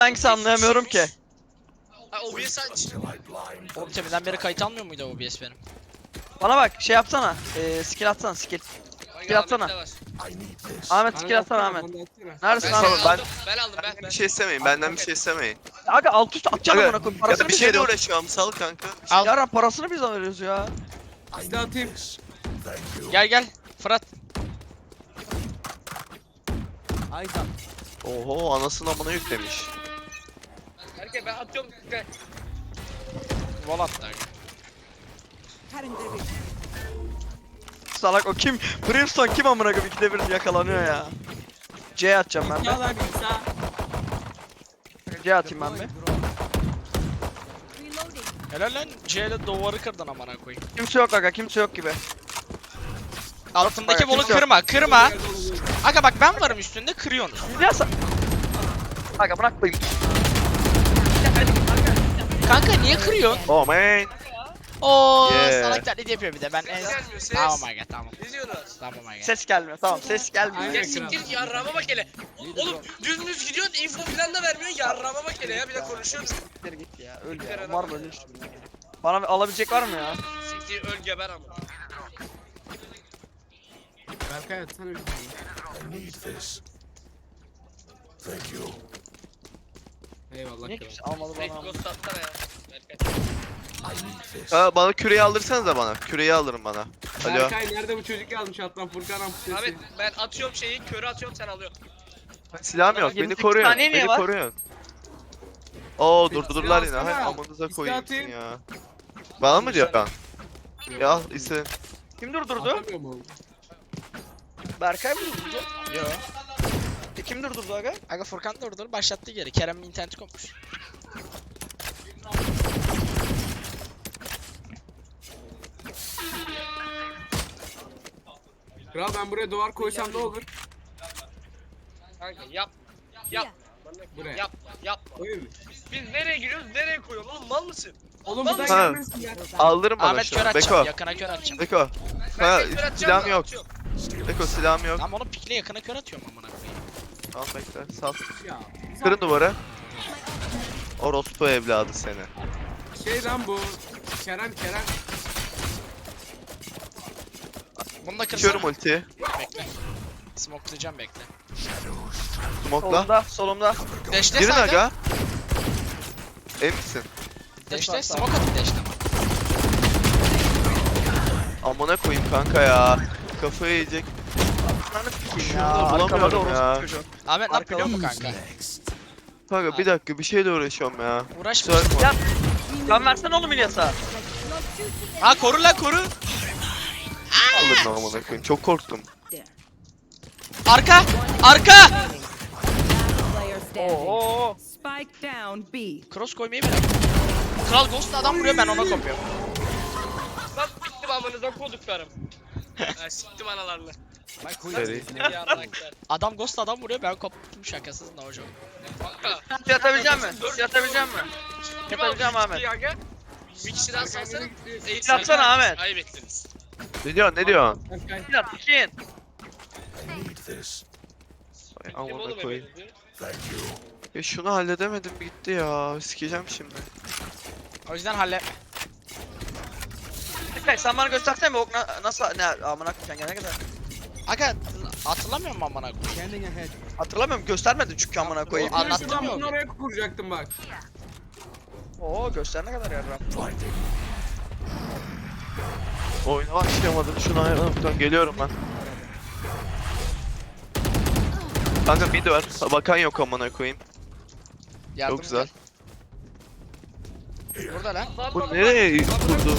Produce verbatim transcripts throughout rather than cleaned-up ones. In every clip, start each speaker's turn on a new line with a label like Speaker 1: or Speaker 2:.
Speaker 1: Hangisi anlayamıyorum ki.
Speaker 2: Ha O B S aç.
Speaker 3: Oğlum teminden beri kayıt almıyor muydu O B S benim?
Speaker 1: Bana bak şey yapsana. Ee, skill atsana skill. Skill atsana. Ahmet skill atsana Ahmet. Neredesin
Speaker 2: Ben,
Speaker 1: abi?
Speaker 2: ben,
Speaker 1: Ben...
Speaker 2: aldım, ben aldım ben.
Speaker 4: Bir
Speaker 2: ben.
Speaker 4: şey istemeyin, benden bir şey istemeyin.
Speaker 1: Aga alt üst atacağım
Speaker 4: Aga,
Speaker 1: amına koyayım.
Speaker 4: ya
Speaker 1: Parasını
Speaker 4: da bir
Speaker 1: biz
Speaker 4: şeyle
Speaker 1: veriyoruz.
Speaker 4: uğraşıyorum, sal kanka.
Speaker 3: Al.
Speaker 1: Yara parasını biz alıyoruz ya.
Speaker 5: Size atayım.
Speaker 3: Gel gel. Fırat.
Speaker 5: Aydan.
Speaker 4: Oho, anasını amına yüklemiş.
Speaker 2: Erkek ben atıyorum. Gel.
Speaker 3: Vol attı.
Speaker 1: Salak o kim? Brimstone kim amına koyayım? İkide bir yakalanıyor ya. C atacağım ben de.
Speaker 5: Ya lan İsa.
Speaker 1: C atayım ben de.
Speaker 3: Helal lan. C ile duvarı kırdın amına koyayım.
Speaker 1: Kimse yok aga kimse yok gibi.
Speaker 3: Altındaki
Speaker 1: Bak,
Speaker 3: bolu
Speaker 1: kimse yok.
Speaker 3: kırma kırma. Aga bak ben varım üstünde kırıyorsun.
Speaker 1: İlyas. Aga bırak koyayım.
Speaker 3: Kanka niye kırıyorsun?
Speaker 4: Oh man.
Speaker 3: Oo
Speaker 4: Yeah.
Speaker 3: salak taklidi yapıyor bir de ben en...
Speaker 2: Ses gelmiyor, ses.
Speaker 3: Tamam aga tamam.
Speaker 2: Ne diyorlar?
Speaker 3: Tamam aga.
Speaker 1: Ses gelmiyor tamam ses gelmiyor.
Speaker 5: Aynen.
Speaker 2: Ya siktir yarrağıma bak hele. Oğlum dümdüz gidiyorsun info falan da vermiyorsun yarrağıma bak hele ya bir de konuşuyoruz.
Speaker 1: Siktir git ya öl ya. Var böyle işte. Bana bir alabilecek var mı ya?
Speaker 2: Siktir öl geber ama.
Speaker 5: Berkay atsana bir tane. Eyvallah
Speaker 1: Niye
Speaker 5: kral.
Speaker 1: kimse almadı
Speaker 2: Direkt
Speaker 1: bana?
Speaker 2: ghost atsana ya. Berkay.
Speaker 4: Ha, bana küreği aldırsanız da bana. Küreği alırım bana. Alo.
Speaker 5: Berkay nerede bu çocuk yazmış alttan Furkan amputesi.
Speaker 2: Ahmet ben atıyorum şeyi körü atıyorum sen alıyorsun.
Speaker 4: Silahım yok,
Speaker 1: yirmi
Speaker 4: beni
Speaker 1: sekiz
Speaker 4: koruyun.
Speaker 1: saniye niye
Speaker 4: Beni
Speaker 1: var?
Speaker 4: koruyun. Oo
Speaker 5: Silah
Speaker 4: durdurdular yine.
Speaker 5: alsana.
Speaker 4: Hay amanıza
Speaker 5: İste
Speaker 4: koyayım
Speaker 5: atayım.
Speaker 4: ya. Bana mı diyor lan? Ya al ise.
Speaker 1: Kim durdurdu?
Speaker 5: Atamıyor mu oğlum?
Speaker 1: Berkay mı durdurdu?
Speaker 3: Yo.
Speaker 1: E, kim durdurdu aga?
Speaker 3: Aga Furkan durdur başlattı geri. Kerem'in interneti kopmuş.
Speaker 5: Kral ben buraya duvar koysam ne olur?
Speaker 2: Kanka yap. Yap.
Speaker 5: Buraya.
Speaker 2: Yap. Yap.
Speaker 5: Koyayım mı?
Speaker 2: Biz nereye giriyoruz nereye koyuyoruz oğlum mal mısın?
Speaker 5: Oğlum buradan
Speaker 4: Ha.
Speaker 5: gelmesin ya.
Speaker 4: Aldırın bana
Speaker 3: Ahmet
Speaker 4: şunu.
Speaker 3: kör
Speaker 4: Beko.
Speaker 3: atacağım. Yakına kör atacağım.
Speaker 4: Beko.
Speaker 2: Ben
Speaker 4: Ha,
Speaker 2: tek kör atacağım
Speaker 4: silahım
Speaker 2: da
Speaker 4: yok.
Speaker 2: atıyorum.
Speaker 4: Beko silahım yok.
Speaker 3: Tamam onu pikle yakına kör atıyorum amına koyayım.
Speaker 4: Tamam bekle. Sal.
Speaker 5: Ya.
Speaker 4: Kırın duvara. Orospu evladı seni.
Speaker 5: Şey lan bu. Kerem Kerem.
Speaker 3: Bunu da kırsana.
Speaker 4: Açıyorum ultiyi.
Speaker 3: Bekle. Smokelayacağım bekle.
Speaker 4: Smoke'la.
Speaker 1: Solumda solumda.
Speaker 3: Deşte
Speaker 4: Girin
Speaker 3: sayda.
Speaker 4: aga. Emin misin?
Speaker 3: Deşte smoke atın deşte.
Speaker 4: Amına koyayım kanka ya. Kafayı yiyecek.
Speaker 1: Ananı sikeyim
Speaker 4: Şunu
Speaker 1: ya.
Speaker 4: da
Speaker 1: Arkada
Speaker 4: bulamıyorum
Speaker 1: orospu
Speaker 4: ya.
Speaker 1: çocuğu.
Speaker 3: Ahmet ne yapıyor biliyor musun kanka?
Speaker 4: Kanka bir dakika bir şeyle uğraşıyorum ya.
Speaker 3: Uğraşma.
Speaker 4: Kusura bakma.
Speaker 1: Ya can versene oğlum İlyas'a.
Speaker 3: Ha koru lan koru.
Speaker 4: Alırım amına koyayım. Çok korktum.
Speaker 3: Arka. Arka.
Speaker 6: Player standing.
Speaker 1: Oo.
Speaker 6: Spike down B.
Speaker 3: Cross koymayı bile. Kral Ghost adam vuruyor ben ona kopuyorum.
Speaker 2: Lan siktim amınıza koduklarım. Ha siktim analarını.
Speaker 4: Seri.
Speaker 2: Yarraklar.
Speaker 3: Adam Ghost adam vuruyor ben koptum şakasız ne hocam.
Speaker 2: Kanka.
Speaker 1: Ulti atabilecek misin? Ulti atabilecek misin?
Speaker 2: Kim
Speaker 1: Yatabileceğim
Speaker 2: aldı
Speaker 1: Ahmet.
Speaker 2: ya gel. Bir kişi daha salsana. Eğit
Speaker 1: Yatsana Ahmet.
Speaker 2: Ayıp ettiniz.
Speaker 4: Ne diyorsun ne diyorsun?
Speaker 5: Berkay.
Speaker 1: İlyas ikin.
Speaker 4: Ay,
Speaker 2: Kim oğlum
Speaker 4: amına koyayım.
Speaker 2: efendim?
Speaker 4: Ya şunu halledemedim gitti ya. Sikeceğim şimdi.
Speaker 3: O yüzden halletme.
Speaker 1: Berkay sen bana göstersene mi? Ok na nasıl ne amına koyayım gelene kadar.
Speaker 3: Aga hatırlamıyor musun amına koyayım?
Speaker 5: Standing ahead.
Speaker 1: Hatırlamıyorum göstermedin çünkü amına koyayım.
Speaker 3: Anlattın
Speaker 5: Anlattım
Speaker 3: mı?
Speaker 5: ben bunu oraya kuracaktım bak.
Speaker 1: Oo göster ne kadar yarram.
Speaker 4: Oyuna başlayamadım. Şunu ayarlamaktan geliyorum ben. Kanka mid var. Bakan yok amına koyayım.
Speaker 3: Yardım
Speaker 4: Çok güzel.
Speaker 3: gel. Burada lan.
Speaker 2: Lan
Speaker 4: Bu
Speaker 2: lan
Speaker 4: nereye
Speaker 2: lan.
Speaker 4: kurdu?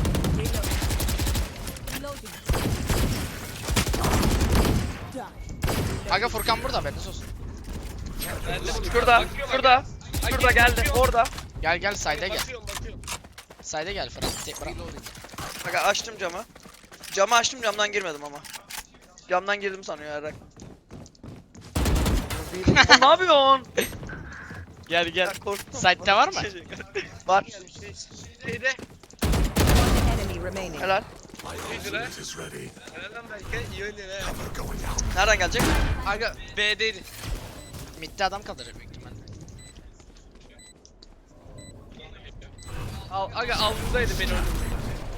Speaker 3: Aga Furkan burada haberiniz olsun.
Speaker 1: Şurada, şurada, şurada geldi, orada.
Speaker 3: Gel gel sayda gel.
Speaker 2: Bakıyorum bakıyorum.
Speaker 3: Sayda gel Fırat. Tek bırak.
Speaker 1: Bak açtım camı. Camı açtım camdan girmedim ama. Camdan girdim sanıyor herhalde. Oğlum ne yapıyorsun?
Speaker 3: Gel gel.
Speaker 1: Ya korktum.
Speaker 3: Site'de var mı?
Speaker 1: Var.
Speaker 2: Şeyde.
Speaker 6: Enemy remaining.
Speaker 1: Helal.
Speaker 2: Neydi lan? Helal lan belki. İyi oynuyor ha.
Speaker 1: Nereden gelecek?
Speaker 2: Aga B'deydi.
Speaker 3: Mid'de adam kalacak büyük ihtimalle.
Speaker 2: Al, aga avludaydı beni öldürdü.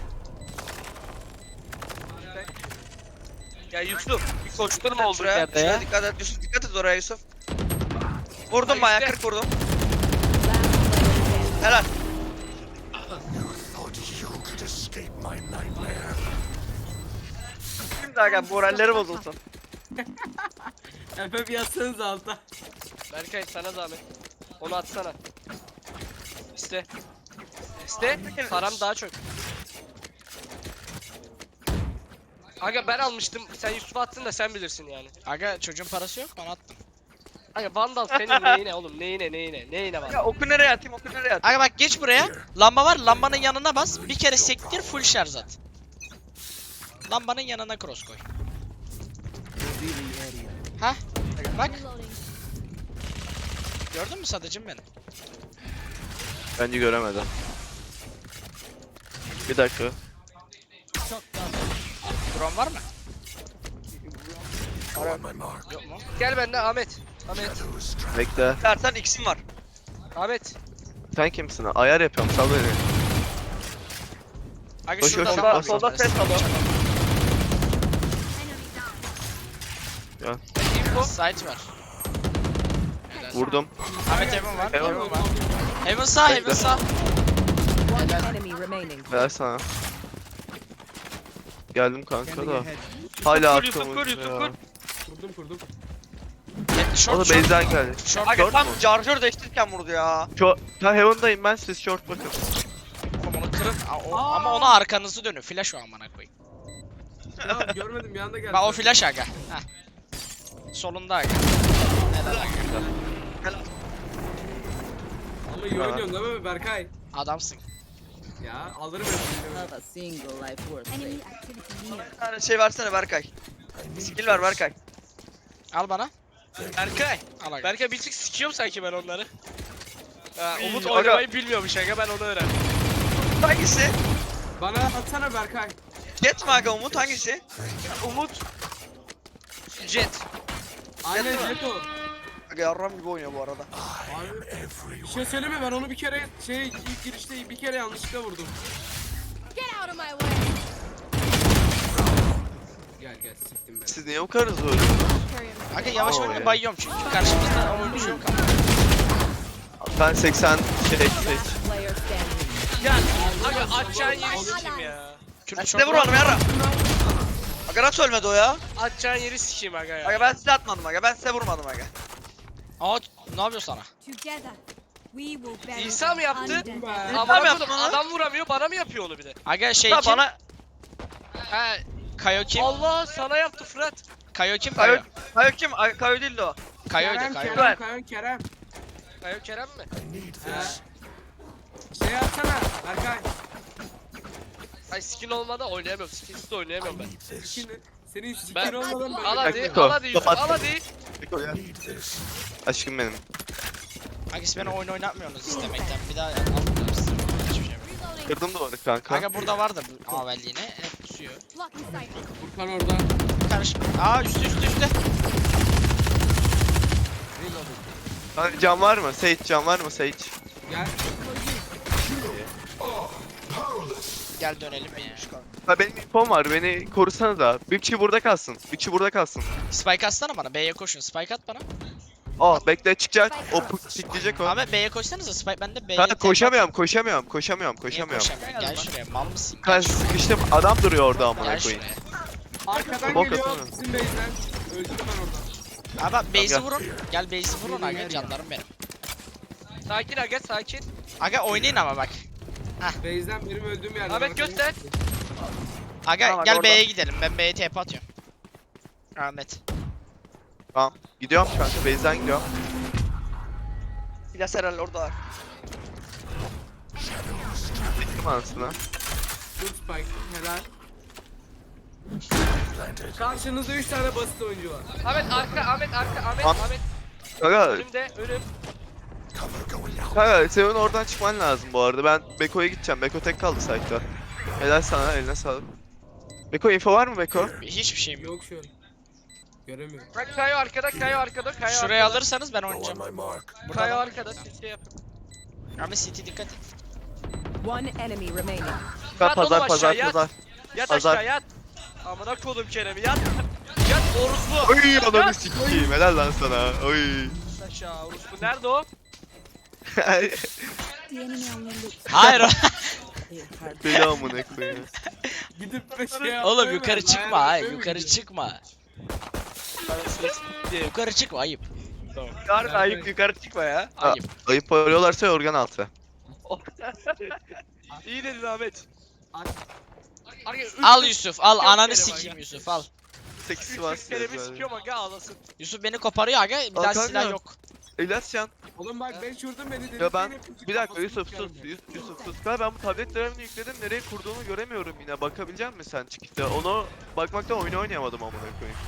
Speaker 2: Ya Yusuf, bir koçtan oldu
Speaker 1: Şuraya,
Speaker 2: yerde
Speaker 1: şuraya
Speaker 2: ya.
Speaker 1: dikkat et Yusuf, dikkat et oraya Yusuf. Vurdum
Speaker 2: Ay,
Speaker 1: bayağı
Speaker 2: işte.
Speaker 1: kırk vurdum.
Speaker 6: Last player standing.
Speaker 1: Helal. Şimdi aga moralleri bozulsun.
Speaker 5: Efe bir yatsanız alta.
Speaker 2: Berkay sana zahmet. Onu atsana. İste. İste. Param daha çok. Aga ben almıştım. Sen Yusuf'a attın da sen bilirsin yani.
Speaker 3: Aga çocuğun parası yok bana attım.
Speaker 2: Aga Vandal senin neyine oğlum? Neyine neyine? Neyine
Speaker 1: Ya
Speaker 2: Vandal?
Speaker 1: oku nereye atayım, oku nereye atayım.
Speaker 3: Aga bak geç buraya. Lamba var, lambanın yanına bas. Bir kere sektir, full şarj at. Lambanın yanına cross koy. Hah. Bak. Gördün mü sadıcım beni?
Speaker 4: Bence göremedim. Bir dakika.
Speaker 3: Drone var mı? Yok mu?
Speaker 2: Gel benden Ahmet. Ahmet.
Speaker 4: Bekle.
Speaker 1: İstersen X'im var.
Speaker 2: Ahmet.
Speaker 4: Sen kimsin? Ayar yapıyorum. Sal beni.
Speaker 3: Aga
Speaker 4: Koş,
Speaker 3: şurada
Speaker 4: koş,
Speaker 3: adam
Speaker 4: koş,
Speaker 3: var.
Speaker 1: solda ses alıyor.
Speaker 2: Info.
Speaker 3: Site var. Helal.
Speaker 4: Vurdum.
Speaker 3: Ahmet Heaven var.
Speaker 4: Heaven.
Speaker 3: Heaven var. Heaven sağ, Heaven
Speaker 4: Bekle.
Speaker 3: sağ.
Speaker 6: One enemy remaining.
Speaker 4: Ver sana. Geldim kanka da. Hala
Speaker 1: Yusuf, Yusuf,
Speaker 4: arkamız
Speaker 1: Yusuf,
Speaker 4: ya.
Speaker 1: Yusuf.
Speaker 5: Kurdum kurdum.
Speaker 3: Short,
Speaker 4: O da
Speaker 3: short.
Speaker 4: base'den geldi.
Speaker 3: Short.
Speaker 1: Aga
Speaker 4: Short
Speaker 1: tam
Speaker 4: mu?
Speaker 1: charger değiştirirken vurdu ya.
Speaker 4: Short. Ha Heaven'dayım ben, siz short bakın.
Speaker 3: Oğlum onu kırın. Aa, o- ama ona arkanızı dönün. Flash o amına koyayım.
Speaker 5: Ya görmedim bir anda geldi.
Speaker 3: Bak o flash aga. Heh. Solunda aga. Helal aga.
Speaker 5: Ama iyi oynuyorsun değil mi Berkay?
Speaker 3: Adamsın.
Speaker 5: Ya alırım hepsini.
Speaker 6: Of a single life worth
Speaker 7: Enemy
Speaker 6: saving.
Speaker 7: activity near.
Speaker 1: Bir tane şey versene Berkay. Skill ver Berkay.
Speaker 3: Al bana.
Speaker 2: Berkay.
Speaker 3: Al aga.
Speaker 2: Berkay bir tık sikiyorum sanki ben onları. Ha,
Speaker 1: İyi,
Speaker 2: Umut
Speaker 1: aga.
Speaker 2: oynamayı bilmiyormuş aga ben onu öğrendim.
Speaker 1: Hangisi?
Speaker 5: Bana atsana Berkay.
Speaker 1: Jet mi aga Umut hangisi?
Speaker 2: Umut. Jet.
Speaker 5: Aynen
Speaker 1: Yapma.
Speaker 5: jet o.
Speaker 1: Aga yarram gibi oynuyor bu arada.
Speaker 5: Abi bir şey söyleme, ben onu bir kere şey ilk girişte bir kere yanlışlıkla vurdum.
Speaker 7: Get out of my way.
Speaker 5: Gel gel siktim ben.
Speaker 4: Siz niye bu kadar hızlı öldünüz?
Speaker 3: Aga yavaş
Speaker 4: Oo,
Speaker 3: oynuyor
Speaker 4: ya.
Speaker 3: bayıyorum çünkü karşımızda oyuncu yok ama.
Speaker 4: Ben seksen şey seç.
Speaker 6: Last player standing.
Speaker 2: Ya aga atacağın yeri sikeyim ya.
Speaker 3: Kürt
Speaker 1: Ben
Speaker 3: short
Speaker 1: size
Speaker 3: var.
Speaker 1: vurmadım yarra. Aga nasıl ölmedi o ya?
Speaker 2: Atacağın yeri sikeyim aga ya.
Speaker 1: Aga ben size atmadım aga, ben size vurmadım aga.
Speaker 3: Aa ne yapıyor sana?
Speaker 7: Together, we will bury
Speaker 2: İsa mı yaptı?
Speaker 7: undead.
Speaker 5: Be.
Speaker 2: Ama
Speaker 1: Tamam
Speaker 2: adam,
Speaker 1: yaptım onu.
Speaker 2: adam vuramıyor bana mı yapıyor onu bir de?
Speaker 3: Aga şey
Speaker 1: Ha
Speaker 3: kim?
Speaker 1: bana
Speaker 2: He.
Speaker 3: Kayo kim?
Speaker 2: Allah sana yaptı Fırat.
Speaker 3: Kayo kim? Kayo.
Speaker 1: Kayo, Kayo kim? Ay, Kayo değil de o.
Speaker 3: Kayo'ydu
Speaker 5: Kerem
Speaker 3: Kayo.
Speaker 5: Kerem Kerem Kerem.
Speaker 2: Kayo Kerem mi?
Speaker 5: He. Şey atsana Berkay.
Speaker 2: Ay skin olmadı oynayamıyorum. Skinsiz de oynayamıyorum ben.
Speaker 5: Skin, senin skin
Speaker 2: Ben-
Speaker 5: olmadan böyle.
Speaker 2: Al hadi,
Speaker 4: Dakika,
Speaker 2: al hadi Yusuf,
Speaker 4: kapat.
Speaker 2: al hadi.
Speaker 4: Aşkım benim.
Speaker 3: Aga siz beni oyun oynatmıyorsunuz istemekten. Bir daha almıyorum size. Hiçbir şey yok.
Speaker 4: Kırdım duvarı kanka.
Speaker 3: Aga burada vardı bu Avel yine. Hep pusuyor.
Speaker 7: Blocking sight.
Speaker 5: Furkan orada.
Speaker 3: Karışma. Aa üstte üstte üstte.
Speaker 4: Hani cam var mı? Sage cam var mı Sage?
Speaker 5: Gel.
Speaker 3: Gel dönelim ya.
Speaker 4: Ha benim infom var, beni korusana da. Bir kişi burada kalsın. Bir kişi burada kalsın.
Speaker 3: Spike atsana bana. B'ye koşun. Spike at bana.
Speaker 4: Aa bekle, çıkacak. O pikleyecek o.
Speaker 3: Abi B'ye koşsanıza. Spike ben de B'ye
Speaker 4: Kanka
Speaker 3: TP
Speaker 4: koşamıyorum, koşamıyorum, koşamıyorum,
Speaker 3: Niye
Speaker 4: koşamıyorum.
Speaker 3: koşamıyorsun? Gel şuraya. Mal mısın?
Speaker 4: Kanka
Speaker 3: Gel şuraya.
Speaker 4: sıkıştım, adam duruyor orada amına
Speaker 3: Gel
Speaker 4: koyayım.
Speaker 3: şuraya.
Speaker 5: Arkadan
Speaker 4: Bok
Speaker 5: geliyor
Speaker 4: atsana.
Speaker 5: bizim base'den. Öldüm ben orada.
Speaker 3: Abi bak base'i
Speaker 4: gel.
Speaker 3: vurun. Gel base'i vurun aga canlarım benim.
Speaker 2: Sakin aga sakin.
Speaker 3: Aga oynayın ama bak.
Speaker 5: Base'den benim öldüğüm yerde.
Speaker 2: Ahmet
Speaker 5: Berkay.
Speaker 2: göster.
Speaker 3: Aga
Speaker 1: Tamam,
Speaker 3: gel
Speaker 1: orada.
Speaker 3: B'ye gidelim. Ben B'ye T P atıyorum. Ahmet.
Speaker 4: Tamam. Gidiyorum kanka, base'den gidiyorum.
Speaker 1: Silah herhalde orada var.
Speaker 4: Gittim anasına.
Speaker 5: Good spike. Helal. Karşınızda üç tane basit oyuncu var.
Speaker 2: Ahmet arka, Ahmet arka, Ahmet,
Speaker 4: An-
Speaker 2: Ahmet.
Speaker 4: Kanka,
Speaker 2: Önümde, önüm.
Speaker 4: kanka senin oradan çıkman lazım bu arada. Ben Beko'ya gideceğim. Beko tek kaldı site'da. Helal sana, eline sağlık. Beko info var mı Beko?
Speaker 3: Hiçbir şeyim yok.
Speaker 5: Yok şu an. Göremiyorum.
Speaker 2: Bak Kayo arkada, Kayo arkada, Kayo
Speaker 3: Şuraya
Speaker 2: arkada.
Speaker 3: alırsanız ben oynayacağım. Burada
Speaker 2: Kayo
Speaker 3: adam-
Speaker 2: arkada, siz şey yapın.
Speaker 3: Ahmet City dikkat et.
Speaker 6: One enemy remaining.
Speaker 4: Ben
Speaker 2: Yat oğlum
Speaker 4: pazar pazar
Speaker 2: aşağı, yat.
Speaker 4: pazar.
Speaker 2: Yat
Speaker 4: Pazar.
Speaker 2: aşağı yat. Amına kodum Kerem'i yat. Yat orospu.
Speaker 4: Oy ananı sikeyim. Helal lan sana. Oy.
Speaker 2: Yat aşağı orospu. Nerede o?
Speaker 7: The enemy only looks.
Speaker 3: Hayır.
Speaker 4: Deli amına koyayım.
Speaker 5: Gidip de şey
Speaker 3: Oğlum
Speaker 5: yapmayı
Speaker 3: yukarı
Speaker 5: ver,
Speaker 3: çıkma
Speaker 5: ayağını
Speaker 3: hayır
Speaker 5: öpmeye mi
Speaker 3: yukarı
Speaker 5: gidiyorsun?
Speaker 3: çıkma. Yukarı çıkma ayıp.
Speaker 2: Harbi ayıp yukarı çıkma ya.
Speaker 3: Ayıp.
Speaker 4: Ayıp arıyorlarsa organ altı.
Speaker 2: İyi dedin Ahmet. Aga, üç
Speaker 3: Al
Speaker 2: yüz
Speaker 3: Yusuf al
Speaker 2: Kerem
Speaker 3: ananı
Speaker 2: aga.
Speaker 3: sikeyim Yusuf al.
Speaker 4: sekiz
Speaker 2: üç
Speaker 4: var.
Speaker 2: yüz Kerem'i sikiyorum aga ağlasın.
Speaker 3: Yusuf beni koparıyor aga bir
Speaker 4: Al
Speaker 3: daha
Speaker 4: kanka.
Speaker 3: silah yok.
Speaker 4: İlyascan.
Speaker 5: Oğlum bak ben şuradan beni
Speaker 4: Ya ben
Speaker 5: dedim,
Speaker 4: bir dakika
Speaker 5: kafasını
Speaker 4: Yusuf
Speaker 5: sikerim
Speaker 4: sus
Speaker 5: ya.
Speaker 4: Yusuf, Yusuf sus. Ben ben bu tablet drivini yükledim nereye kurduğunu göremiyorum yine. Bakabilecek misin sen çıkışta? Onu bakmaktan oyunu oynayamadım amına koyayım.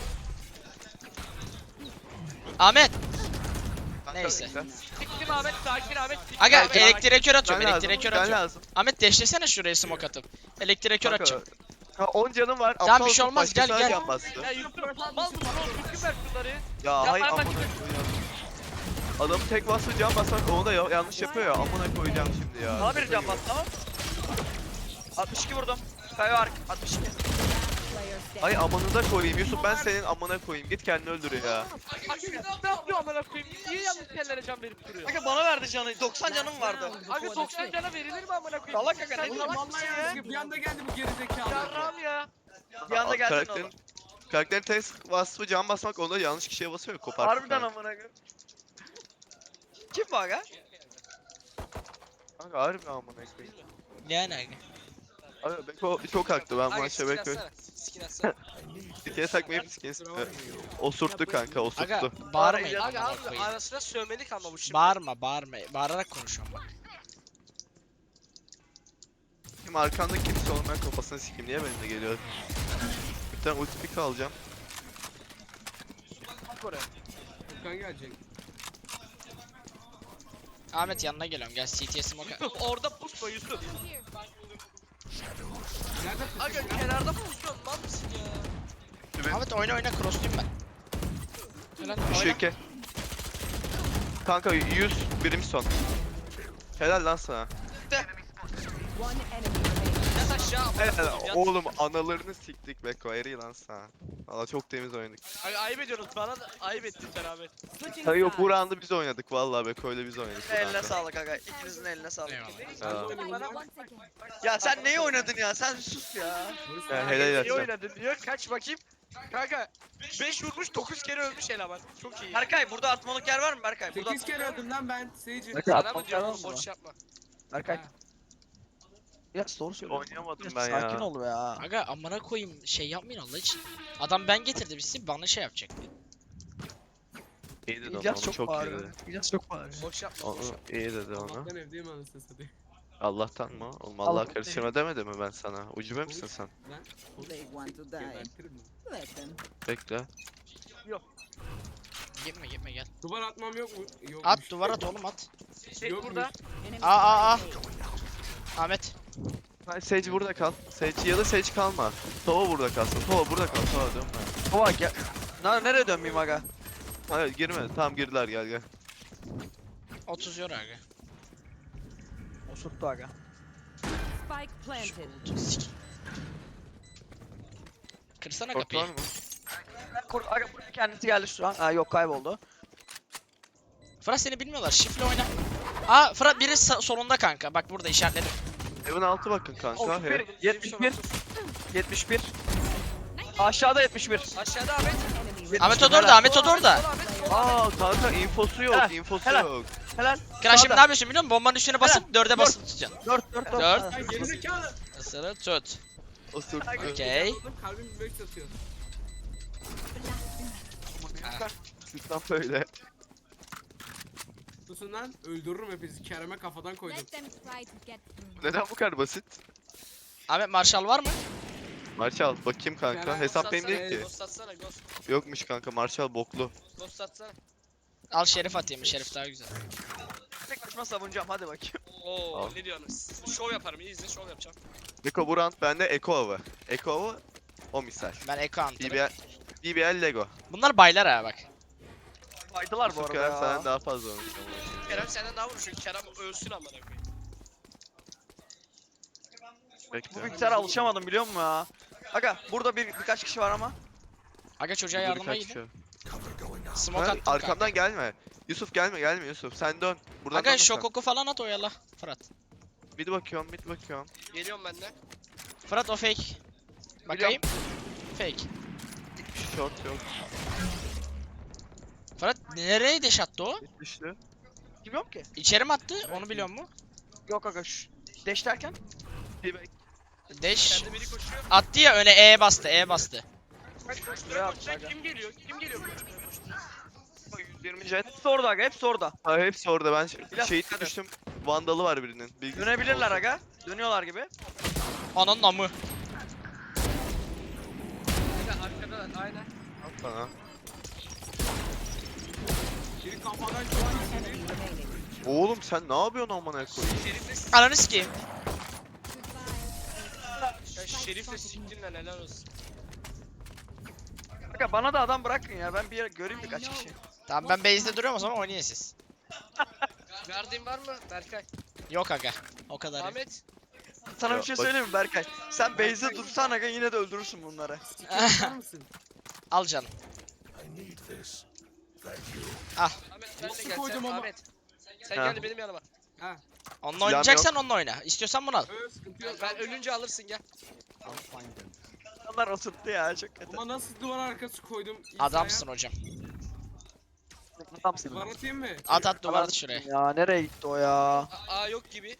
Speaker 3: Ahmet.
Speaker 4: Kanka,
Speaker 3: Neyse.
Speaker 4: bekle.
Speaker 2: Siktim Ahmet sakin Ahmet. siktim
Speaker 3: Aga
Speaker 2: Ahmet.
Speaker 3: elektriğe kör atıyorum
Speaker 4: Ben
Speaker 3: elektriğe
Speaker 4: lazım.
Speaker 3: kör
Speaker 4: Ben
Speaker 3: atıyorum.
Speaker 4: lazım.
Speaker 3: Ahmet deşlesene şuraya smoke atıp. Elektriğe kör
Speaker 4: Kanka,
Speaker 3: atacağım.
Speaker 4: Ha on canım var.
Speaker 3: Tamam,
Speaker 4: aptal
Speaker 3: bir şey
Speaker 4: olsun,
Speaker 3: olmaz, gel,
Speaker 4: başkasına
Speaker 3: gel.
Speaker 4: can bastı.
Speaker 2: Ya Yusuf mal mısın oğlum? Düzgün ver şunları.
Speaker 4: Ya
Speaker 2: Ya
Speaker 4: hayır
Speaker 2: ben
Speaker 4: amına
Speaker 2: bak-
Speaker 4: koyayım. Adam tek bastı can basmak onu da ya- yanlış yapıyor ya. Amına koyacağım şimdi ya.
Speaker 1: Bana bir can bas tamam. altmış iki vurdum. Kayo ark altmış iki.
Speaker 6: Player standing.
Speaker 4: Ay amanıza koyayım Yusuf ben senin amına koyayım. Git kendini öldür ya.
Speaker 2: Aga ne yapıyor amına koyayım? Niye yanlış yerlere can verip duruyor?
Speaker 1: Aga bana verdi canı. doksan canım vardı.
Speaker 2: Aga doksan cana verilir mi amına koyayım?
Speaker 1: Salak aga,
Speaker 2: Sen
Speaker 1: ne
Speaker 5: Oğlum
Speaker 2: salak
Speaker 5: vallahi
Speaker 2: mısın ya?
Speaker 5: yanlışlıkla bir anda geldi bu gerizekalı.
Speaker 2: Yarram ya.
Speaker 1: Bir anda geldin
Speaker 4: Karakterin,
Speaker 1: oğlum.
Speaker 4: karakterin tek vasfı can basmak onda yanlış kişiye basıyor kopar.
Speaker 1: Harbiden amına koyayım. Kim bu aga?
Speaker 4: Kanka harbi amına koyayım.
Speaker 3: Yani aga.
Speaker 4: Abi Beko çok haklı ben bu
Speaker 2: Aga
Speaker 4: maçta
Speaker 2: skin
Speaker 4: Beko'yu.
Speaker 2: atsana. Skin atsana.
Speaker 4: Dikeye takmayıp skin osurttu kanka
Speaker 3: Aga
Speaker 4: osurttu.
Speaker 3: bağırmayın
Speaker 2: Aga
Speaker 3: amına
Speaker 2: abi
Speaker 3: koyayım.
Speaker 2: arasına sövmelik ama bu şimdi.
Speaker 3: Bağırma bağırma. Bağırarak konuşuyorum bak.
Speaker 4: Şimdi arkanda kimse olmayan kafasını sikeyim niye benimle geliyor? Bir tane ulti pick alacağım.
Speaker 2: Bak oraya.
Speaker 5: Furkan gelecek.
Speaker 3: Ahmet yanına geliyorum gel C T'ye smoke at.
Speaker 2: Yusuf orada pusma Yusuf.
Speaker 7: Here.
Speaker 5: Nerede
Speaker 2: Aga
Speaker 5: fıstık ya?
Speaker 2: kenarda pusuyorsun mal mısın ya?
Speaker 3: Ahmet oyna oyna crossluyum ben. Helal
Speaker 4: Şu
Speaker 3: oyna.
Speaker 4: iki. Kanka yüz birim son. Helal lan sana.
Speaker 6: One enemy remaining.
Speaker 2: Yat aşağı amına
Speaker 4: Helal
Speaker 2: koyayım, yat.
Speaker 4: oğlum analarını siktik Beko eri lan sana. Valla çok temiz oynadık.
Speaker 2: Aga ayıp ediyorsunuz bana da ayıp ettin beraber.
Speaker 6: Switching
Speaker 4: Hayır yok bu
Speaker 6: sides.
Speaker 4: round'u biz oynadık valla Beko ile biz oynadık. bu
Speaker 1: Eline
Speaker 4: round'u.
Speaker 1: sağlık aga. İkinizin eline sağlık.
Speaker 3: Eyvallah.
Speaker 5: Sen de
Speaker 4: Ya.
Speaker 5: oynadın lan.
Speaker 7: Once again.
Speaker 1: Ya sen neyi oynadın ya? Sen sus ya.
Speaker 4: Ya
Speaker 2: Aga,
Speaker 4: helal
Speaker 2: iyi
Speaker 4: yapacağım.
Speaker 2: oynadın diyor. Kaç bakayım. Kanka beş vurmuş dokuz kere ölmüş eleman. Çok iyi.
Speaker 1: Berkay burada atmalık yer var mı Berkay? Burada
Speaker 5: sekiz kere öldüm lan ben Seyirci.
Speaker 1: Berkay
Speaker 2: Sana mı
Speaker 1: atmalık yer
Speaker 2: diyorum
Speaker 1: var
Speaker 2: oğlum
Speaker 1: mı?
Speaker 2: boş yapma.
Speaker 1: Berkay.
Speaker 3: Ha.
Speaker 1: Biraz doğru söylüyorsun.
Speaker 4: Oynayamadım
Speaker 1: Biraz
Speaker 4: ben ya.
Speaker 1: Sakin ol ya.
Speaker 3: Aga amına koyayım şey yapmayın Allah için. Adam ben getirdim sizi bana şey yapacak.
Speaker 4: İyi dedi onu,
Speaker 1: İlyas
Speaker 4: onu
Speaker 1: çok
Speaker 4: çok iyi
Speaker 1: bağırıyor.
Speaker 4: dedi.
Speaker 1: İlyas çok bağırıyor.
Speaker 2: Boş yapma.
Speaker 4: Onu
Speaker 2: Boş yapma.
Speaker 4: iyi dedi onu.
Speaker 5: Allah'tan evdeyim anasını satayım.
Speaker 4: Allah'tan mı? Oğlum
Speaker 1: Allah
Speaker 4: Allah karıştırma demedi mi ben sana? Ucube misin sen?
Speaker 6: They want to die.
Speaker 5: Gebertirim ben.
Speaker 6: Let them.
Speaker 4: Bekle.
Speaker 3: Gitme gitme gel.
Speaker 5: Duvar atmam yok mu? Yokmuş.
Speaker 3: At duvar at oğlum at.
Speaker 2: Şey
Speaker 5: Yokmuş.
Speaker 2: burada.
Speaker 6: Enemy
Speaker 3: Aa aa aa.
Speaker 6: spotted A.
Speaker 3: Ahmet.
Speaker 4: Hayır Sage burada kal. Sage ya da Sage kalma. Tova burada kalsın. Tova burada kal. Tova dönme.
Speaker 1: Baba gel. Na nereye dönmeyeyim aga?
Speaker 4: Hayır girme. Tamam girdiler gel gel.
Speaker 3: otuz euro aga.
Speaker 1: Osurttu aga.
Speaker 6: Spike planted.
Speaker 3: Sik. Kırsana
Speaker 4: Short
Speaker 3: kapıyı.
Speaker 4: var mı?
Speaker 1: Kur aga buraya kendisi geldi şu an. Aa yok kayboldu.
Speaker 3: Fırat seni bilmiyorlar şifle oyna. Aa Fırat biri sa- solunda kanka bak burada işaretledim.
Speaker 4: Evin altı bakın kanka. Herif.
Speaker 1: yetmiş bir. yetmiş bir. Aşağıda yetmiş bir.
Speaker 2: Aşağıda Ahmet.
Speaker 6: Enemy
Speaker 3: Ahmet o
Speaker 6: remaining.
Speaker 3: da orada Ahmet o da orada.
Speaker 2: Sol Ahmet.
Speaker 4: Aa kanka infosu yok.
Speaker 1: Helal,
Speaker 4: infosu
Speaker 1: helal.
Speaker 4: yok.
Speaker 1: Helal.
Speaker 3: Kral şimdi
Speaker 1: Sağda.
Speaker 3: ne yapıyorsun biliyor musun? Bombanın üstüne basıp dörde basıp tutacaksın.
Speaker 1: dört dört dört.
Speaker 3: Dört.
Speaker 5: Ay gerizekalı.
Speaker 3: Isırı tut.
Speaker 4: Osurttu.
Speaker 3: Okey.
Speaker 5: Kalbim beş satıyor.
Speaker 4: Lütfen böyle.
Speaker 5: Susun lan öldürürüm hepinizi. Kerem'e kafadan koydum.
Speaker 7: Let them try to get through.
Speaker 4: Neden bu kadar basit?
Speaker 3: Ahmet Marshall var mı?
Speaker 4: Marshall bakayım kanka.
Speaker 5: Kerem,
Speaker 4: Hesap benim
Speaker 2: Ghost
Speaker 4: değil ki.
Speaker 2: atsana, Ghost atsana Ghost.
Speaker 4: Yokmuş kanka Marshall boklu.
Speaker 2: Ghost atsana.
Speaker 3: Al Şerif atayım Şerif daha güzel.
Speaker 1: Tek başıma savunacağım hadi bakayım.
Speaker 2: Oo
Speaker 4: Al.
Speaker 2: ne diyorsunuz? Şov yaparım iyi izle şov yapacağım.
Speaker 4: Beko bu round bende Eko avı. Eko avı o misal.
Speaker 3: Ben Eko Hunter'ım.
Speaker 4: B B L, B B L Lego.
Speaker 3: Bunlar baylar ha bak.
Speaker 1: Faydalar bu
Speaker 4: Yusuf
Speaker 1: arada
Speaker 4: Kerem senden
Speaker 1: ya.
Speaker 4: daha fazla oynamış.
Speaker 2: Kerem senden daha vuruşun. Kerem ölsün amına koyayım.
Speaker 1: Bu
Speaker 4: Bekle.
Speaker 1: bilgisayara alışamadım biliyor musun ya? Aga burada bir birkaç kişi var ama.
Speaker 3: Aga çocuğa
Speaker 4: Burada
Speaker 3: yardıma
Speaker 4: birkaç
Speaker 3: gidin.
Speaker 4: kişi.
Speaker 3: Smoke
Speaker 4: Ha,
Speaker 3: attım kanka.
Speaker 4: arkamdan gelme. Yusuf gelme gelme Yusuf. Sen dön. Buradan
Speaker 3: Aga
Speaker 4: dönme sen.
Speaker 3: şokoku falan at oyala. Fırat.
Speaker 4: Mid bakıyorum mid bakıyorum.
Speaker 2: Geliyorum ben de.
Speaker 3: Fırat o fake. Bakayım. Fake.
Speaker 4: Short yok.
Speaker 3: Fırat nereye deş attı o?
Speaker 4: Mid düştü.
Speaker 1: Bilmiyorum ki.
Speaker 3: İçeri mi attı? Onu biliyor mu?
Speaker 1: Yok aga şu. Deş derken.
Speaker 4: Bir bek.
Speaker 3: Deş
Speaker 2: Kendi biri koşuyor.
Speaker 3: attı ya öne E bastı, E bastı.
Speaker 2: Bak
Speaker 1: Şuraya
Speaker 2: koşturuyor
Speaker 1: at,
Speaker 2: koşturuyor.
Speaker 1: aga.
Speaker 2: Kim geliyor? Kim geliyor? Koşturuyor koşturuyor.
Speaker 4: yüz yirmi jet.
Speaker 1: Hepsi orada aga hepsi orada.
Speaker 4: Ha hepsi orada ben ş-
Speaker 1: Biraz
Speaker 4: şehit
Speaker 1: dikkat et.
Speaker 4: düştüm. Vandalı var birinin. Bilgisi
Speaker 1: Dönebilirler
Speaker 4: olsun.
Speaker 1: aga. Dönüyorlar gibi.
Speaker 3: Ananın amı.
Speaker 2: Aga arkadalar aynen.
Speaker 4: Al sana.
Speaker 5: Biri kafadan şu an
Speaker 6: Enemy
Speaker 5: içeri.
Speaker 6: remaining.
Speaker 4: Oğlum sen ne yapıyorsun amına koyayım?
Speaker 2: Şerifle
Speaker 3: Ananı sikeyim.
Speaker 2: ya Şerifle siktin lan helal olsun.
Speaker 1: Aga bana da adam bırakın ya. Ben bir yere göreyim birkaç kişi.
Speaker 3: Tamam ben base'de duruyorum o zaman oynayın siz.
Speaker 2: Verdiğin var mı Berkay?
Speaker 3: Yok aga. O kadar. yok.
Speaker 2: Ahmet.
Speaker 1: Sana
Speaker 4: Ya
Speaker 1: bir şey
Speaker 4: bak-
Speaker 1: söyleyeyim mi Berkay? Sen base'de dursan aga yine de öldürürsün bunları.
Speaker 5: Bakar mısın?
Speaker 3: Al canım.
Speaker 2: Ahmet ben de
Speaker 5: Nasıl
Speaker 2: gel
Speaker 5: koydum
Speaker 2: sen
Speaker 5: ama?
Speaker 2: Ahmet. Sen
Speaker 4: Ha.
Speaker 2: gel de benim yanıma.
Speaker 5: Ha.
Speaker 3: Onunla
Speaker 4: Silahım
Speaker 3: oynayacaksan onunla oyna. İstiyorsan bunu al.
Speaker 5: Öyle sıkıntı yok.
Speaker 2: Ben ölünce alırsın gel.
Speaker 1: Onlar oturttu ya çok kötü.
Speaker 5: Ama nasıl duvar arkası koydum? İsa'ya?
Speaker 3: Adamsın hocam.
Speaker 1: Adamsın.
Speaker 5: Duvar atayım mı?
Speaker 3: At at duvarda şuraya.
Speaker 1: Ya nereye gitti o ya?
Speaker 2: A, A yok gibi.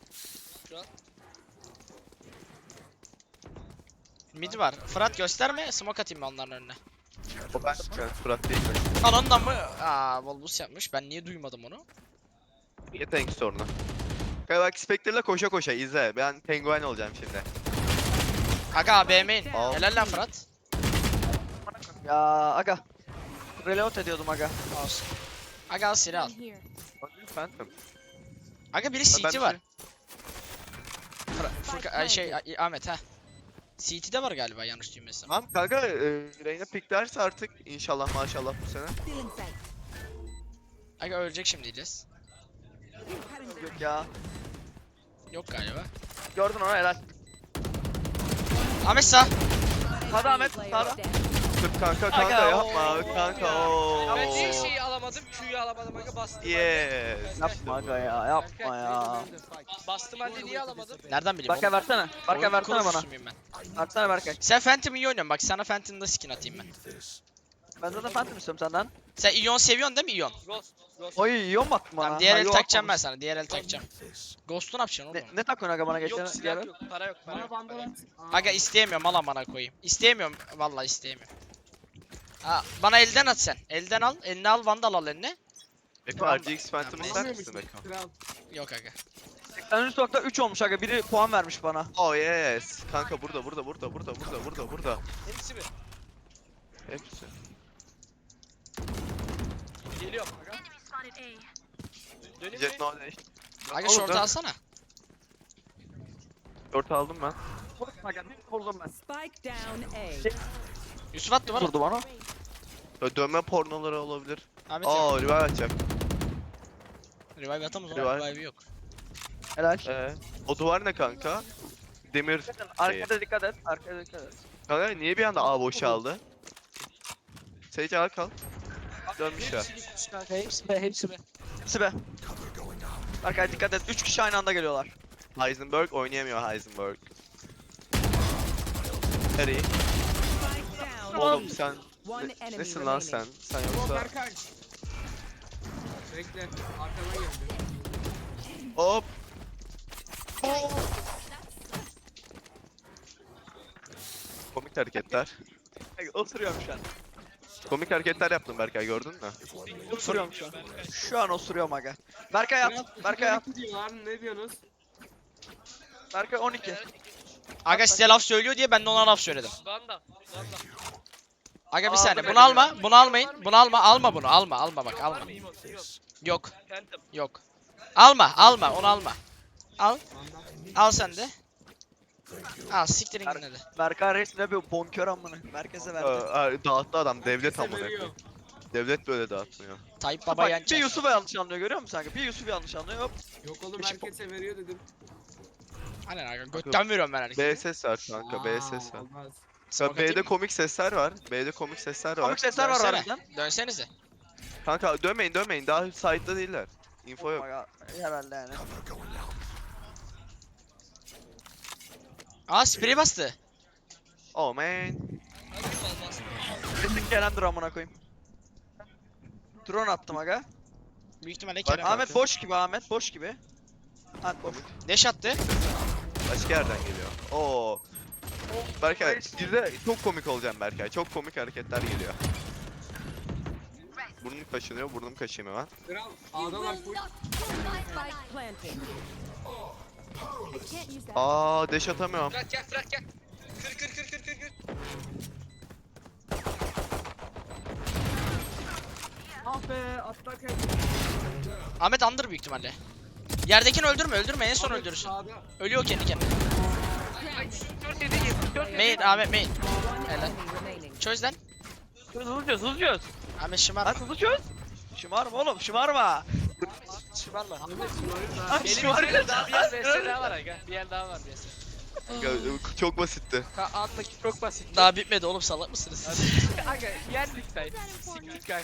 Speaker 3: Mid var. Fırat gösterme. Smoke atayım ben onların önüne.
Speaker 4: O ben ben Fırat değil mi?
Speaker 3: Ananın amı. Aa Volbus yapmış. Ben niye duymadım onu?
Speaker 4: Yetenek sorunu. Kanka bak Spectre'la koşa koşa izle. Ben penguen olacağım şimdi.
Speaker 3: Aga A B M'in.
Speaker 4: Al.
Speaker 3: Helal lan Fırat.
Speaker 1: Ya aga. Reload ediyordum aga.
Speaker 3: Olsun. Aga al silah al.
Speaker 7: Here.
Speaker 4: Phantom.
Speaker 3: Aga biri
Speaker 4: Ha, ben
Speaker 3: C T
Speaker 4: bir
Speaker 3: var.
Speaker 4: şey-
Speaker 3: Fıra- Furka- ay şey ay- Ahmet ha. C T'de var galiba yanlış duymasam.
Speaker 4: Tamam kanka e, Reyna piklerse artık inşallah maşallah bu sene.
Speaker 6: Still inside.
Speaker 3: Aga ölecek şimdi İlyas.
Speaker 1: Yok ya.
Speaker 3: Yok galiba.
Speaker 1: Gördün onu helal.
Speaker 3: Ahmet sağ.
Speaker 1: Hadi Ahmet
Speaker 6: Player
Speaker 1: sağda.
Speaker 6: dead.
Speaker 4: Tıp kanka kanka
Speaker 1: Aga,
Speaker 4: yapma
Speaker 1: oo.
Speaker 4: kanka ooo.
Speaker 2: Ben niye şeyi alamadım? Q'yu alamadım aga bastım.
Speaker 4: Yes.
Speaker 1: Yapma aga ya yapma ya.
Speaker 2: halde. Bastım halde niye alamadım?
Speaker 3: Nereden bileyim?
Speaker 1: Berkay
Speaker 3: oğlum?
Speaker 1: versene. Berkay
Speaker 3: Oyun
Speaker 1: versene bana.
Speaker 3: kurucusu muyum ben?
Speaker 1: Versene Berkay.
Speaker 3: Sen Phantom iyi oynuyorsun bak sana Phantom'da skin atayım ben.
Speaker 1: Ben zaten Phantom istiyorum senden.
Speaker 3: Sen Ion seviyorsun değil mi Ion?
Speaker 2: Ghost. Ghost.
Speaker 1: Oy yiyor mu attın bana?
Speaker 3: Tamam diğer
Speaker 1: Ha,
Speaker 3: el
Speaker 1: yok,
Speaker 3: takacağım ben
Speaker 1: atmamış.
Speaker 3: sana diğer el takacağım. Ghost'u ne yapacaksın
Speaker 1: Ne,
Speaker 3: oğlum?
Speaker 1: ne takıyorsun aga bana geçen
Speaker 2: Yok
Speaker 1: diğer
Speaker 2: silah
Speaker 1: el?
Speaker 2: yok. Para yok. Para
Speaker 5: Bana
Speaker 2: yok.
Speaker 5: bandal
Speaker 2: para yok.
Speaker 5: at. Aa,
Speaker 3: Aga isteyemiyorum al amına koyayım. İsteyemiyorum vallahi isteyemiyorum. Ha, bana elden at sen. Elden al. Eline al vandal al eline.
Speaker 4: Beko R G X Phantom
Speaker 3: Tamam,
Speaker 4: ister
Speaker 5: alamıyor
Speaker 4: misin
Speaker 5: musun?
Speaker 4: Beko?
Speaker 5: Kral.
Speaker 3: Yok aga.
Speaker 1: seksen üç nokta üç olmuş aga. Biri puan vermiş bana.
Speaker 4: Oh yes. Kanka burada burada burada burada burada burada burada.
Speaker 2: Hepsi mi?
Speaker 4: Hepsi.
Speaker 2: Geliyorum aga. Döneyim mi?
Speaker 4: Jet no dash.
Speaker 3: Aga
Speaker 4: Oğlum,
Speaker 3: short
Speaker 4: dön.
Speaker 3: alsana.
Speaker 4: Short aldım ben.
Speaker 1: Vurdum aga. Bir vurdum ben.
Speaker 6: Spike down A.
Speaker 3: Yusuf at duvara.
Speaker 1: Vurdu bana.
Speaker 4: Böyle dönme pornoları olabilir.
Speaker 3: Ahmet ya.
Speaker 4: Aa revive atacak.
Speaker 3: Revive atamaz
Speaker 4: Revive.
Speaker 3: ama revive yok.
Speaker 1: Helal.
Speaker 4: Ee, o duvar ne kanka? Demir şeyi.
Speaker 1: Arkada dikkat et. Arkada dikkat et.
Speaker 4: Kanka niye bir anda A boşaldı? Sage al kal. Dönmüşler.
Speaker 2: Hepsi gitmiş kanka.
Speaker 1: Hepsi be hepsi be. Hepsi be. Berkay dikkat et. üç kişi aynı anda geliyorlar.
Speaker 4: Heisenberg oynayamıyor Heisenberg. Harry.
Speaker 6: Spike down.
Speaker 4: Oğlum sen
Speaker 6: One
Speaker 4: ne-
Speaker 6: enemy
Speaker 4: nesin lan sen?
Speaker 6: remaining.
Speaker 4: Sen
Speaker 5: O
Speaker 4: yoksa
Speaker 5: Berkay. Bekle. Arkadan geldi.
Speaker 4: hop. Komik hareketler.
Speaker 1: Osuruyorum şu an.
Speaker 4: Komik hareketler yaptım Berkay gördün mü?
Speaker 1: Osuruyorum şu an. Şu an osuruyorum aga. Berkay
Speaker 5: Kral,
Speaker 1: at. Berkay at.
Speaker 5: iki diyorlar, ne diyorsunuz?
Speaker 1: Berkay on iki.
Speaker 3: Aga size laf söylüyor diye ben de ona laf söyledim.
Speaker 2: Banda. Banda.
Speaker 3: Aga bir
Speaker 1: Aa,
Speaker 3: saniye
Speaker 1: dur
Speaker 3: bunu
Speaker 1: bekle.
Speaker 3: alma. Bunu almayın. Bunu alma. Alma bunu. Alma. Alma bak
Speaker 2: Yok,
Speaker 3: alma.
Speaker 2: var mı? Yok. Yok.
Speaker 3: Yok.
Speaker 2: Phantom.
Speaker 3: Yok. Alma. Alma. Onu alma. Al.
Speaker 5: Bandal.
Speaker 3: Al sen de. Al siktirin
Speaker 1: Ar-
Speaker 3: yine de.
Speaker 1: Berkay resmine bir bonkör amına. Merkeze
Speaker 4: Ee,
Speaker 1: verdi.
Speaker 4: ee, dağıttı adam devlet
Speaker 5: Herkese
Speaker 4: amına
Speaker 5: veriyor.
Speaker 4: koyayım. Devlet böyle dağıtmıyor.
Speaker 3: Tayyip
Speaker 1: Bak,
Speaker 3: Baba
Speaker 1: bir
Speaker 3: Yançer.
Speaker 1: Yusuf'u yanlış anlıyor görüyor musun kanka? Bir Yusuf'u yanlış anlıyor hop.
Speaker 5: Yok oğlum
Speaker 1: Beşik-
Speaker 5: herkese veriyor dedim.
Speaker 3: Aynen aga götten veriyorum ben
Speaker 4: B
Speaker 3: herkese.
Speaker 4: ses var kanka, B ses
Speaker 5: Aa,
Speaker 4: var.
Speaker 5: olmaz.
Speaker 4: Ya
Speaker 3: Smoke
Speaker 4: B'de
Speaker 3: atayım mı?
Speaker 4: komik sesler var. B'de komik sesler var.
Speaker 1: Komik sesler var
Speaker 3: Dönsene.
Speaker 1: harbiden.
Speaker 3: Dönsenize.
Speaker 4: Kanka dönmeyin dönmeyin, daha side'da değiller. Info
Speaker 1: Oh
Speaker 4: yok.
Speaker 1: my god. Herhalde yani.
Speaker 3: Aa sprey bastı.
Speaker 4: Oh man.
Speaker 2: Hadi olmaz.
Speaker 1: Kesin Kerem'dir amına koyayım. Drone attım aga.
Speaker 3: Büyük ihtimalle
Speaker 4: Bak,
Speaker 3: Kerem.
Speaker 1: Ahmet boş gibi Ahmet boş gibi. Ahmet boş.
Speaker 3: Deş attı.
Speaker 4: Başka yerden geliyor. Oo. Berkay, bir de çok komik olacağım Berkay. Çok komik hareketler geliyor. Burnum kaşınıyor, burnum kaşıyım hemen.
Speaker 5: Kral A'dalar full.
Speaker 6: Spike planted.
Speaker 7: Can't use that.
Speaker 4: Aa, deş atamıyorum.
Speaker 2: Fırat gel Fırat gel. Kır kır kır kır kır kır.
Speaker 5: Ah be atlarken.
Speaker 3: Ahmet under büyük ihtimalle. Yerdekini öldürme öldürme en son öldürürsün.
Speaker 5: Sağda.
Speaker 3: Ölüyor kendi kendine.
Speaker 2: Ay dört yedi yedi dört yedi.
Speaker 3: Main Ahmet main.
Speaker 6: One
Speaker 3: Helal.
Speaker 6: enemy remaining.
Speaker 3: Çöz lan.
Speaker 1: Hızlı çöz hızlı çöz.
Speaker 3: Ahmet şımar.
Speaker 1: Hadi hızlı çöz. Şımarma oğlum şımarma.
Speaker 3: Şımarma.
Speaker 5: Ahmet şunları da.
Speaker 1: Ay şımarma.
Speaker 8: daha bir yer V S daha var aga. Bir yer daha var V S.
Speaker 4: Ya, çok basitti.
Speaker 8: Ka alttaki çok basit.
Speaker 3: Daha bitmedi oğlum salak mısınız siz?
Speaker 8: Aga yendik say. Siktik kay.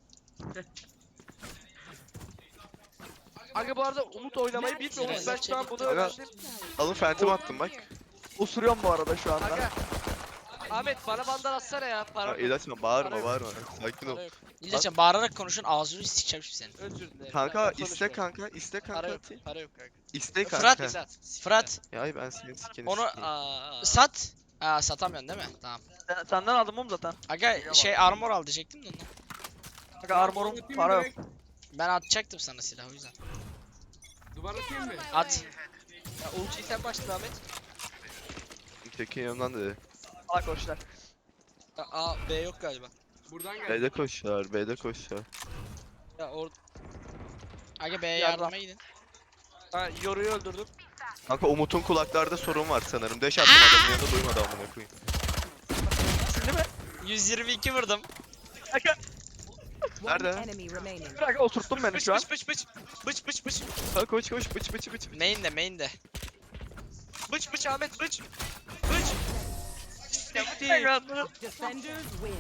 Speaker 8: Aga bu arada Umut oynamayı bilmiyor. Umut ben şu an bunu
Speaker 4: Aga.
Speaker 8: öğrendim.
Speaker 4: Alın phantom attım bak.
Speaker 1: Osuruyorum bu arada şu anda.
Speaker 8: Aga. Ahmet bana bandal atsana ya. Para
Speaker 4: Ya,
Speaker 8: yok.
Speaker 4: İlaçma, bağırma bağırma. Sakin ol.
Speaker 8: Para yok.
Speaker 3: İlacım bağırarak konuşun ağzını sikeceğim şimdi senin.
Speaker 8: Özür dilerim.
Speaker 4: Kanka
Speaker 8: Tamam,
Speaker 4: iste
Speaker 8: konuşma.
Speaker 4: kanka, iste
Speaker 8: Para
Speaker 4: kanka
Speaker 8: yok.
Speaker 4: atayım.
Speaker 8: Para yok kanka.
Speaker 4: İste
Speaker 3: Fırat,
Speaker 4: kanka.
Speaker 8: Fırat.
Speaker 3: Fırat
Speaker 4: Ya ay ben senin sikeni
Speaker 3: onu
Speaker 4: sikeyim.
Speaker 8: Aa.
Speaker 3: sat. Aa satamıyorsun değil mi? Tamam.
Speaker 1: Sen- Senden aldım oğlum zaten.
Speaker 3: Aga şey armor al diyecektim de ondan.
Speaker 1: Aga armorum
Speaker 5: Atayım
Speaker 1: para yok.
Speaker 5: direkt.
Speaker 3: Ben atacaktım sana silah o yüzden.
Speaker 5: Duvar atayım mı?
Speaker 3: At.
Speaker 8: Ya ultiyi sen başla Ahmet.
Speaker 4: Tekin yanımdan dedi.
Speaker 1: Salak koşlar.
Speaker 8: Ya, A B yok galiba.
Speaker 5: Buradan gel.
Speaker 4: B'de koşuyor, B'de koşuyor.
Speaker 8: Ya orada.
Speaker 3: Aga B'ye
Speaker 1: Yardım.
Speaker 3: yardıma gidin.
Speaker 8: Ha Yoru'yu öldürdüm.
Speaker 4: Kanka Umut'un kulaklarda sorun var sanırım. Deş attım adamın yanında duymadı amına koyayım.
Speaker 1: Şimdi mi?
Speaker 3: yüz yirmi iki vurdum.
Speaker 1: Aga
Speaker 6: One
Speaker 4: Nerede?
Speaker 6: enemy remaining.
Speaker 1: bırak oturttun beni
Speaker 8: Bıç
Speaker 1: şu an.
Speaker 8: bıç bıç bıç. Bıç bıç bıç.
Speaker 4: Ha koş koş bıç bıç bıç.
Speaker 3: Main de main de.
Speaker 8: Bıç bıç Ahmet bıç. Bıç. Bitti.
Speaker 6: Defenders win.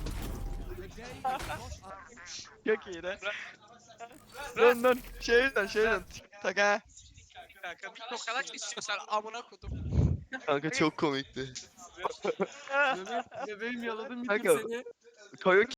Speaker 1: Çok iyi de. Dön dön. Şeyden şeyden. Tak ha.
Speaker 8: Kanka bir tokanak istiyorsan amına kodum.
Speaker 4: Kanka çok komikti.
Speaker 5: Bebeğim, bebeğim yaladım bir
Speaker 4: Kanka,
Speaker 5: seni.
Speaker 4: Koyu